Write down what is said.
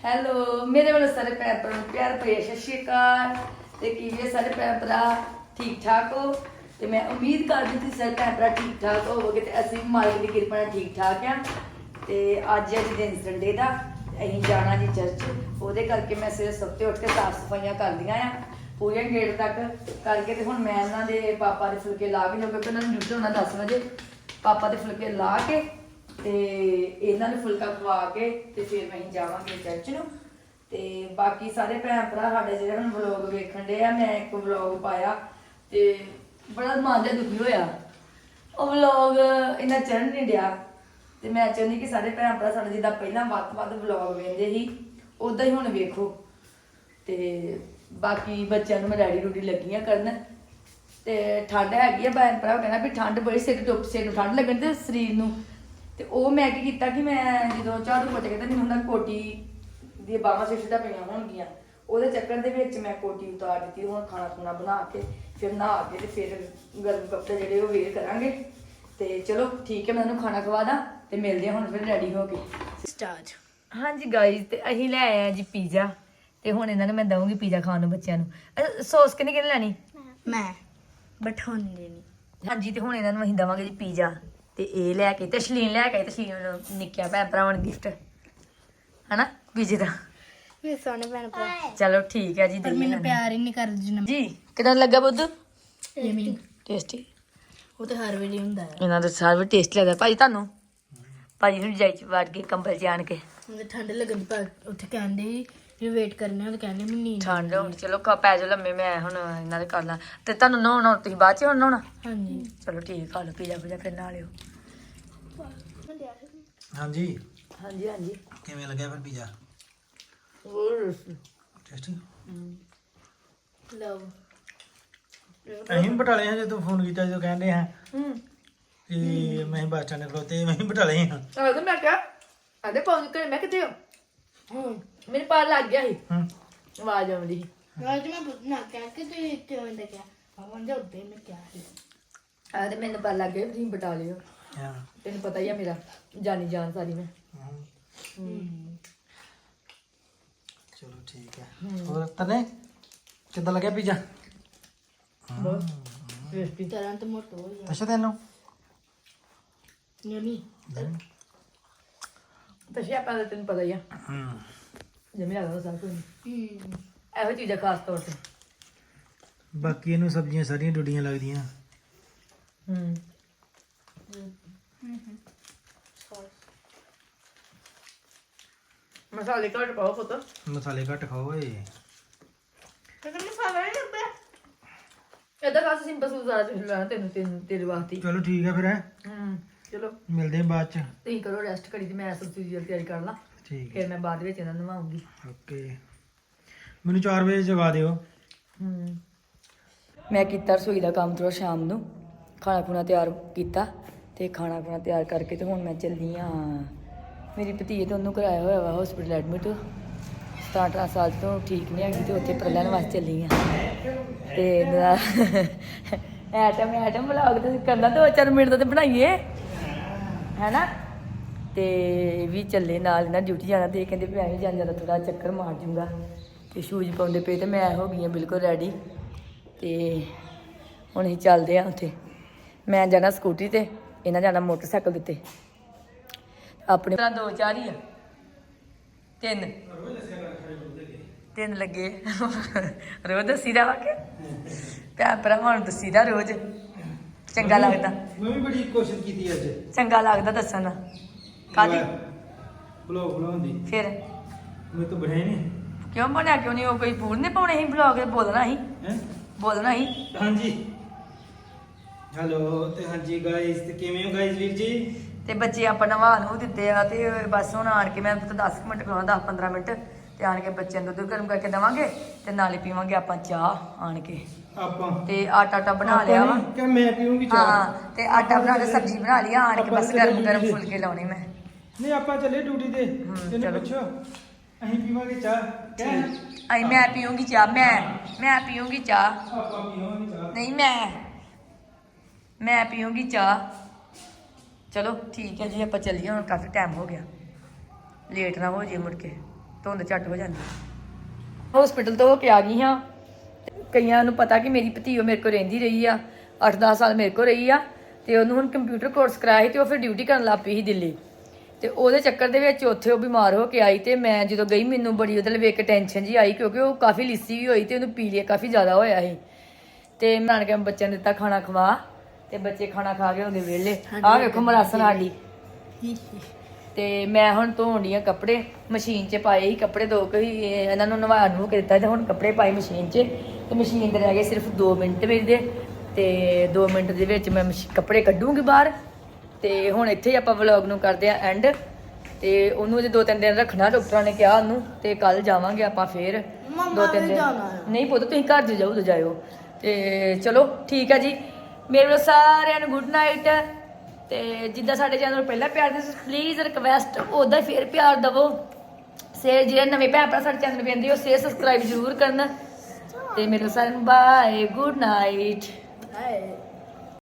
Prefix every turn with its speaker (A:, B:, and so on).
A: Hello ਮੇਰੇ ਵੱਲੋਂ ਸਾਰੇ ਭੈਣ ਭਰਾ ਨੂੰ ਪਿਆਰ ਭਰੀ ਸਤਿ ਸ਼੍ਰੀ ਅਕਾਲ ਤੇ ਕਿਵੇਂ ਸਾਰੇ ਭੈਣ ਭਰਾ ਠੀਕ ਠਾਕ ਹੋ ਤੇ ਮੈਂ ਉਮੀਦ ਕਰਦੀ ਤੁਸੀਂ ਸਾਰੇ ਭੈਣ ਭਰਾ ਠੀਕ ਠਾਕ ਹੋਵੋਗੇ ਤੇ ਅਸੀਂ ਵੀ ਮਾਲਕ ਦੀ ਕਿਰਪਾ ਨਾਲ ਠੀਕ ਠਾਕ ਆ ਤੇ ਅੱਜ ਹੈ ਜੀ ਦਿਨ ਸੰਡੇ ਦਾ ਅਸੀਂ ਜਾਣਾ ਜੀ ਚਰਚ ਉਹਦੇ ਕਰਕੇ ਮੈਂ ਸਵੇਰੇ ਸੁੱਤੇ ਉੱਠ ਕੇ ਸਾਫ ਸਫਾਈਆਂ ਕਰਦੀਆਂ ਆ ਪੂਰੇ ਗੇਟ ਤੱਕ ਕਰਕੇ ਤੇ ਹੁਣ ਮੈਂ ਇਹਨਾਂ ਦੇ ਪਾਪਾ ਦੇ ਫੁਲਕੇ ਲਾ ਕੇ ਕਿਉਂਕਿ ਉਹਨਾਂ ਨੂੰ ਡਿਊਟੀ ਹੋਣਾ 10 ਵਜੇ ਪਾਪਾ ਦੇ ਫੁਲਕੇ ਲਾ ਕੇ ਤੇ ਇਹਨਾਂ ਨੂੰ ਫੁਲਕਾ ਖਵਾ ਕੇ ਤੇ ਫਿਰ ਅਸੀਂ ਜਾਵਾਂਗੇ ਚਰਚ ਨੂੰ ਤੇ ਬਾਕੀ ਸਾਰੇ ਭੈਣ ਭਰਾ ਸਾਡੇ ਜਿਹੜੇ ਹੁਣ ਵਲੌਗ ਵੇਖਣ ਦੇ ਆ ਮੈਂ ਇੱਕ ਵਲੌਗ ਪਾਇਆ ਤੇ ਬੜਾ ਮਨ ਜਿਹਾ ਦੁਖੀ ਹੋਇਆ ਉਹ ਵਲੌਗ ਇੰਨਾ ਚੜ੍ਹ ਨਹੀਂ ਡਿਆ ਤੇ ਮੈਂ ਚਾਹੁੰਦੀ ਕਿ ਸਾਰੇ ਭੈਣ ਭਰਾ ਸਾਡੇ ਜਿੱਦਾਂ ਪਹਿਲਾਂ ਵੱਧ ਵਲੌਗ ਵੇਖਦੇ ਸੀ ਉਦਾਂ ਹੀ ਹੁਣ ਵੇਖੋ ਤੇ ਬਾਕੀ ਬੱਚਿਆਂ ਨੂੰ ਮੈਂ ਰੈਡੀ ਰੂਡੀ ਲੱਗੀਆਂ ਕਰਨ ਤੇ ਠੰਡ ਹੈਗੀ ਆ ਭੈਣ ਭਰਾ ਕਹਿੰਦਾ ਵੀ ਠੰਡ ਬੜੀ ਸਿਰ ਨੂੰ ਠੰਡ ਲੱਗਣ ਤੇ ਸਰੀਰ ਨੂੰ ਤੇ ਉਹ ਮੈਂ ਕੀ ਕੀਤਾ ਕਿ ਮੈਂ ਜਦੋਂ ਝਾੜੂ ਪੋਚਾ ਕੀਤਾ ਮੈਨੂੰ ਹੁੰਦਾ ਕੋਟੀ ਦੀ ਬਾਹਾਂ ਸਿੱਧਾ ਪਈਆਂ ਹੋਣਗੀਆਂ ਉਹਦੇ ਚੱਕਰ ਦੇ ਵਿੱਚ ਮੈਂ ਕੋਟੀ ਉਤਾਰ ਦਿੱਤੀ ਹੁਣ ਖਾਣਾ ਖੁਣਾ ਬਣਾ ਕੇ ਫਿਰ ਨਹਾ ਕੇ ਤੇ ਫਿਰ ਗਰਮ ਕੱਪੜੇ ਜਿਹੜੇ ਉਹ ਵੇਅਰ ਕਰਾਂਗੇ ਤੇ ਚਲੋ ਠੀਕ ਹੈ ਮੈਂ ਉਹਨੂੰ ਖਾਣਾ ਖਵਾ ਦਾਂ ਤੇ ਮਿਲਦੇ ਹਾਂ ਹੁਣ ਫਿਰ ਰੈਡੀ ਹੋ ਕੇ ਸਟਾਰਟ ਹਾਂਜੀ ਗਾਇਜ਼ ਤੇ ਅਸੀਂ ਲੈ ਆਏ ਆ ਜੀ ਪੀਜ਼ਾ ਤੇ ਹੁਣ ਇਹਨਾਂ ਨੂੰ ਮੈਂ ਦਊਂਗੀ ਪੀਜ਼ਾ ਖਾਣ ਨੂੰ ਬੱਚਿਆਂ ਨੂੰ ਸੌਸ ਕਿਹਨੇ ਲੈਣੀ
B: ਮੈਂ ਬਠਾਉਂਦੇ ਨਹੀਂ
A: ਹਾਂਜੀ ਤੇ ਹੁਣ ਇਹਨਾਂ ਨੂੰ ਅਸੀਂ ਦਵਾਂਗੇ ਜੀ ਪੀਜ਼ਾ ਤੇ ਇਹ ਲੈ ਕੇ ਤੇ ਸ਼ਲੀਨ ਲੈ ਕੇ ਤੇ ਸ਼ਲੀਨ ਨੂੰ ਨਿੱਕਿਆ ਭੈਣ ਭਰਾਵਾਂ ਨੂੰ ਗਿਫਟ ਹਨਾ ਪੀਜ਼ੇ ਦਾ
B: ਮੇਰੇ ਸੋਹਣੇ ਭੈਣ ਭਰਾ
A: ਚਲੋ ਠੀਕ ਹੈ ਜੀ
B: ਪਰ ਮੈਨੂੰ ਪਿਆਰ ਹੀ ਨਹੀਂ ਕਰਦੇ ਜਿੰਨਾ
A: ਜੀ ਕਿਦਾਂ ਲੱਗਾ ਬੁੱਧ
B: ਯਮੀ
A: ਟੇਸਟੀ
B: ਉਹ ਤਾਂ ਹਰ ਵੇਲੇ ਹੁੰਦਾ ਹੈ
A: ਇਹਨਾਂ ਦਾ ਸਾਰਾ ਟੇਸਟ ਲੱਗਦਾ ਭਾਜੀ ਤੁਹਾਨੂੰ ਭਾਜੀ ਨੂੰ ਜਾਈ ਚ ਵੜ ਕੇ ਕੰਬਲ ਚ ਆਣ ਕੇ
B: ਹੁਣ ਠੰਡ ਲੱਗਣ ਦੀ ਪਰ ਉੱਥੇ ਕਹਿੰਦੇ ਵੀ ਵੇਟ ਕਰਨਾ ਉਹ ਕਹਿੰਦੇ ਮੈਨੂੰ ਨੀਂਦ
A: ਠੰਡ ਹੁਣ ਚਲੋ ਪੈ ਜਾ ਲੰਮੇ ਮੈਂ ਹੁਣ ਇਹਨਾਂ ਦੇ ਕਰ ਲਾਂ ਤੇ ਤੁਹਾਨੂੰ ਨਹਾਉਣਾ ਤੁਸੀਂ ਬਾਅਦ ਚ ਹੁਣ ਨਹਾਉਣਾ
B: ਹਾਂਜੀ
A: ਚਲੋ ਠੀਕ ਖਾ ਲਓ ਪੀਜ਼ਾ ਪੂਜਾ ਫਿਰ ਨਾ ਲਿਓ
C: ਹਾਂਜੀ
A: ਹਾਂਜੀ ਹਾਂਜੀ
C: ਕਿਵੇਂ ਲੱਗਿਆ ਫਿਰ ਪੀਜ਼ਾ
A: ਹੋਰ
C: ਟੇਸਟੀ
B: ਲਵ
C: ਅਸੀਂ ਵੀ ਬਟਾਲੇ ਹਾਂ ਜਦੋਂ ਫੋਨ ਕੀਤਾ ਜਦੋਂ ਕਹਿੰਦੇ ਹਾਂ
A: ਹੂੰ
C: ਕਿ ਮੈਂ ਬੱਸ ਸਟੈਂਡ ਖਲੋਤੇ ਮੈਂ ਵੀ ਬਟਾਲੇ ਹਾਂ
A: ਆ ਤਾਂ ਮੈਂ ਕਿਹਾ ਆਦੇ ਪਹੁੰਚ ਕੇ ਮੈਂ ਕਿਤੇ ਮੇਰੇ ਪਾਰ ਲੱਗ ਗਿਆ ਸੀ
C: ਹੂੰ
A: ਆਵਾਜ਼ ਆਉਂਦੀ ਸੀ
B: ਰਾਜ ਮੈਂ ਨਾ ਕਹਿ ਕੇ ਤੇ ਕਿਉਂ ਇੰਦਾ ਕਿਹਾ ਆਵਾਂ ਜਾ ਉੱਤੇ ਮੈਂ ਕਿਹਾ ਸੀ
A: ਆ ਤੇ ਮੈਨੂੰ ਪਤਾ ਲੱਗ ਗਿਆ ਵੀ ਤੁਸੀਂ ਬਟਾ ਲਿਓ
C: ਹਾਂ
A: ਤੈਨੂੰ ਪਤਾ ਹੀ ਆ ਮੇਰਾ ਜਾਨੀ ਜਾਨ ਸਾਰੀ ਮੈਂ
C: ਚਲੋ ਠੀਕ ਹੈ ਹੋਰ ਤਨੇ ਕਿੱਦਾਂ ਲੱਗਿਆ ਪੀਜ਼ਾ
A: ਬਹੁਤ ਟੇਸਟੀ
B: ਤਰ੍ਹਾਂ ਤਾਂ ਮੋਟੋ ਹੋ ਗਿਆ
C: ਅੱਛਾ ਤੈਨੂੰ
B: ਯਮੀ
A: ਤੇ ਸ਼ਿਆਪਾਂ ਦਾ ਤੈਨੂੰ ਪਤਾ ਹੀ ਆ
C: ਹੂੰ
A: ਜਿਵੇਂ ਲੱਗਦਾ ਸਭ ਕੁਝ ਇਹੋ ਚੀਜ਼ਾਂ ਖਾਸ ਤੌਰ ਤੇ
C: ਬਾਕੀ ਇਹਨੂੰ ਸਬਜ਼ੀਆਂ ਸਾਰੀਆਂ ਡੁੱਡੀਆਂ ਲੱਗਦੀਆਂ
A: ਹੂੰ ਮਸਾਲੇ ਘੱਟ ਪਾਓ ਪੁੱਤ
C: ਮਸਾਲੇ ਘੱਟ ਖਾਓ ਏ
B: ਤੇ ਮਸਾਲਾ ਨਹੀਂ ਲੱਭਿਆ
A: ਏਦਾਂ ਖਾਸ ਸਿੰਪਲ ਸੁਜ਼ਾਰਾ ਤੁਸੀਂ ਲੈਣਾ ਤੈਨੂੰ ਤੇਰੇ ਵਾਸਤੇ
C: ਚਲੋ ਠੀਕ ਹੈ ਫਿਰ
A: ਚਲੋ
C: ਮਿਲਦੇ ਹਾਂ ਬਾਅਦ ਚ
A: ਤੁਸੀਂ ਕਰੋ ਰੈਸਟ ਕਰੀ ਤੇ ਮੈਂ ਸਬਜ਼ੀ ਦੀ ਤਿਆਰੀ ਕਰ ਲਾਂ
C: ਠੀਕ ਹੈ
A: ਫਿਰ ਮੈਂ ਬਾਅਦ ਵਿੱਚ ਇਹਨਾਂ ਨੂੰ ਨਵਾਉਂਗੀ
C: ਓਕੇ ਮੈਨੂੰ 4 ਵਜੇ ਜਗਾ ਦਿਓ
A: ਮੈਂ ਕੀਤਾ ਰਸੋਈ ਦਾ ਕੰਮ ਥੋੜਾ ਸ਼ਾਮ ਨੂੰ ਖਾਣਾ ਖੁਣਾ ਤਿਆਰ ਕੀਤਾ ਤੇ ਖਾਣਾ ਖੁਣਾ ਤਿਆਰ ਕਰਕੇ ਤੇ ਹੁਣ ਮੈਂ ਚੱਲੀ ਆ ਮੇਰੀ ਭਤੀਜੇ ਤੋਂ ਉਹਨੂੰ ਕਰਾਇਆ ਹੋਇਆ ਵਾ ਹਸਪੀਟਲ ਐਡਮਿਟ 17 ਸਾਲ ਤੋਂ ਠੀਕ ਨਹੀਂ ਹੈਗੀ ਤੇ ਉੱਥੇ ਪ੍ਰਲਨ ਵਾਸਤੇ ਚੱਲੀ ਆ ਤੇ ਐਟਮ ਵਲੌਗ ਤੇ ਕਰਨਾ 2-4 ਮਿੰਟ ਦਾ ਤੇ ਬਣਾਈਏ ਹੈਨਾ ਤੇ ਵੀ ਚੱਲੇ ਨਾਲ ਇਹਨਾਂ ਡਿਊਟੀ ਜਾਣਾ ਤੇ ਇਹ ਕਹਿੰਦੇ ਵੀ ਐਵੇਂ ਜਾਂਦਾ ਥੋੜਾ ਚੱਕਰ ਮਾਰ ਜੂੰਗਾ ਤੇ ਸ਼ੂਜ਼ ਪਾਉਂਦੇ ਪਏ ਤੇ ਮੈਂ ਹੋ ਗਈ ਹਾਂ ਬਿਲਕੁਲ ਰੈਡੀ ਤੇ ਹੁਣ ਅਸੀਂ ਚੱਲਦੇ ਆ ਉੱਥੇ ਮੈਂ ਜਾਣਾ ਸਕੂਟਰੀ ਤੇ ਇਹਨਾਂ ਜਾਣਾ ਮੋਟਰਸਾਈਕਲ ਦੇ ਉੱਤੇ ਆਪਣੇ ਤਰ੍ਹਾਂ 2-4 ਹੀ ਆ 3 ਲੱਗੇ ਰੋਜ਼ ਦੱਸੀਦਾ ਵਾ ਕਿ ਭੈਣ ਭਰਾਵਾਂ ਨੂੰ ਦੱਸੀਦਾ ਰੋਜ਼ ਚੰਗਾ ਲੱਗਦਾ
C: ਮੈਂ ਵੀ ਬੜੀ ਕੋਸ਼ਿਸ਼ ਕੀਤੀ ਅੱਜ
A: ਚੰਗਾ ਲੱਗਦਾ ਦੱਸਣ ਕਾਹਦੀ
C: ਬਲੌਗ ਬਣਾਉਣ ਦੀ
A: ਫਿਰ
C: ਮੈਂ ਤਾਂ ਬਣਾਇਆ ਨਹੀਂ
A: ਕਿਉਂ ਬਣਿਆ ਕਿਉਂ ਨਹੀਂ ਉਹ ਕੋਈ ਪੂਰ ਨੇ ਪਾਉਣੇ ਸੀ ਬਲੌਗ ਬੋਲਣਾ ਸੀ
C: ਹੈ
A: ਬੋਲਣਾ ਸੀ
C: ਹਾਂਜੀ ਹੈਲੋ ਤੇ ਹਾਂਜੀ ਗਾਇਸ ਤੇ ਕਿਵੇਂ ਹੋ ਗਾਇਸ ਵੀਰ ਜੀ
A: ਤੇ ਬੱਚੇ ਆਪਾਂ ਨਵਾ ਨੂੰ ਦਿੱਤੇ ਆ ਤੇ ਬਸ ਹੁਣ ਆਣ ਕੇ ਮੈਂ ਤਾਂ 10 ਮਿੰਟ ਕਰਾਉਣਾ 10-15 ਮਿੰਟ ਤੇ ਆਣ ਕੇ ਬੱਚਿਆਂ ਨੂੰ ਦੁੱਧ ਗਰਮ ਕਰਕੇ ਦੇਵਾਂਗੇ ਤੇ ਨਾਲੇ ਪੀਵਾਂਗੇ ਆਪਾਂ ਚਾਹ ਆਣ ਕੇ
C: ਆਪਾਂ
A: ਤੇ ਆਟਾ ਬਣਾ ਲਿਆ ਵਾ
C: ਕਿ ਮੈਂ ਪੀਉਂਗੀ ਚਾਹ
A: ਹਾਂ ਤੇ ਆਟਾ ਬਣਾ ਕੇ ਸਬਜ਼ੀ ਬਣਾ ਲਈ ਆਣ ਕੇ ਬਸ ਗਰਮ ਫੁਲਕੇ ਲਾਉਣੇ ਮੈਂ
C: ਨਹੀਂ ਆਪਾਂ ਚੱਲੇ ਡਿਊਟੀ ਤੇ ਇਹਨੂੰ
A: ਚਲੋ।
C: ਪੁੱਛੋ ਅਸੀਂ ਪੀਵਾਂਗੇ ਚਾਹ ਕਹਿ
A: ਆਈ ਮੈਂ ਪੀਉਂਗੀ ਚਾਹ ਮੈਂ ਪੀਉਂਗੀ ਚਾਹ
C: ਆਪਾਂ ਪੀਵਾਂਗੇ ਚਾਹ
A: ਨਹੀਂ ਮੈਂ ਪੀਉਂਗੀ ਚਾਹ ਚਲੋ ਠੀਕ ਹੈ ਜੀ ਆਪਾਂ ਚੱਲੀਏ ਹੁਣ ਕਾਫੀ ਟਾਈਮ ਹੋ ਗਿਆ ਲੇਟ ਨਾ ਹੋ ਜੇ ਮੁੜ ਕੇ ਧੁੰਦ ਝੱਟ ਹੋ ਜਾਂਦੀ ਹਸਪੀਟਲ ਤੋਂ ਹੋ ਕੇ ਆ ਗਈ ਹਾਂ ਕਈਆਂ ਨੂੰ ਪਤਾ ਕਿ ਮੇਰੀ ਭਤੀਓ ਮੇਰੇ ਕੋਲ ਰਹਿੰਦੀ ਰਹੀ ਆ 8-10 ਸਾਲ ਮੇਰੇ ਕੋਲ ਰਹੀ ਆ ਤੇ ਉਹਨੂੰ ਹੁਣ ਕੰਪਿਊਟਰ ਕੋਰਸ ਕਰਾਇਆ ਸੀ ਤੇ ਉਹ ਫਿਰ ਡਿਊਟੀ ਕਰਨ ਲੱਗ ਪਈ ਸੀ ਦਿੱਲੀ ਤੇ ਉਹਦੇ ਚੱਕਰ ਦੇ ਵਿੱਚ ਉੱਥੇ ਉਹ ਬਿਮਾਰ ਹੋ ਕੇ ਆਈ ਤੇ ਮੈਂ ਜਦੋਂ ਗਈ ਮੈਨੂੰ ਬੜੀ ਉਹਦੇ ਲਈ ਵੇਖ ਕੇ ਟੈਨਸ਼ਨ ਜੀ ਆਈ ਕਿਉਂਕਿ ਉਹ ਕਾਫੀ ਲਿੱਸੀ ਵੀ ਹੋਈ ਤੇ ਉਹਨੂੰ ਪੀਲੀਆ ਕਾਫੀ ਜ਼ਿਆਦਾ ਹੋਇਆ ਸੀ ਤੇ ਮੈਂ ਕੇ ਬੱਚਿਆਂ ਨੂੰ ਦਿੱਤਾ ਖਾਣਾ ਖਵਾ ਤੇ ਬੱਚੇ ਖਾਣਾ ਖਾ ਕੇ ਹੋ ਗਏ ਵਿਹਲੇ ਆਹ ਵੇਖੋ ਮਰਾਸਣ ਸਾਡੀ ਤੇ ਮੈਂ ਹੁਣ ਧੋਣ ਡਈ ਆ ਕੱਪੜੇ ਮਸ਼ੀਨ 'ਚ ਪਾਏ ਸੀ ਕੱਪੜੇ ਦੋ ਕੇ ਇਹਨਾਂ ਨੂੰ ਨਵਾ ਨੂੰ ਕੇ ਦਿੱਤਾ ਤੇ ਹੁਣ ਕੱਪੜੇ ਪਾਏ ਮਸ਼ੀਨ 'ਚ ਤੇ ਮਸ਼ੀਨ ਦੇ ਰਹਿ ਗਏ ਸਿਰਫ 2 ਮਿੰਟ ਮੇਰੇ ਦੇ ਤੇ 2 ਮਿੰਟ ਦੇ ਵਿੱਚ ਮੈਂ ਕੱਪੜੇ ਕੱਢੂੰਗੀ ਬਾਹਰ ਤੇ ਹੁਣ ਇੱਥੇ ਹੀ ਆਪਾਂ ਵਲੌਗ ਨੂੰ ਕਰਦੇ ਆ ਐਂਡ ਤੇ ਉਹਨੂੰ ਜੇ 2-3 ਦਿਨ ਰੱਖਣਾ ਡਾਕਟਰਾਂ ਨੇ ਕਿਹਾ ਉਹਨੂੰ ਤੇ ਕੱਲ ਜਾਵਾਂਗੇ ਆਪਾਂ ਫੇਰ 2-3 ਦਿਨ ਨਹੀਂ ਪੁੱਤ ਤੁਸੀਂ ਘਰ ਜਾਓ ਉਦੋਂ ਜਾਇਓ ਤੇ ਚਲੋ ਠੀਕ ਆ ਜੀ ਮੇਰੇ ਵੱਲੋਂ ਸਾਰਿਆਂ ਨੂੰ ਗੁੱਡ ਨਾਈਟ ਤੇ ਜਿੱਦਾਂ ਸਾਡੇ ਚੈਨਲ ਨੂੰ ਪਹਿਲਾਂ ਪਿਆਰ ਦੇ ਪਲੀਜ਼ ਰਿਕਵੈਸਟ ਉਦਾਂ ਫੇਰ ਪਿਆਰ ਦਵੋ ਸ਼ੇਅਰ ਜਿਹੜੇ ਨਵੇਂ ਭੈਣ ਭਰਾ ਸਾਡੇ ਚੈਨਲ ਵੇਖਦੇ ਹੋ ਸ਼ੇਅਰ ਸਬਸਕ੍ਰਾਈਬ ਜ਼ਰੂਰ ਕਰਨਾ ਤੇ ਮੇਰੇ ਸਾਰਿਆਂ ਨੂੰ ਬਾਏ ਗੁੱਡ ਨਾਈਟ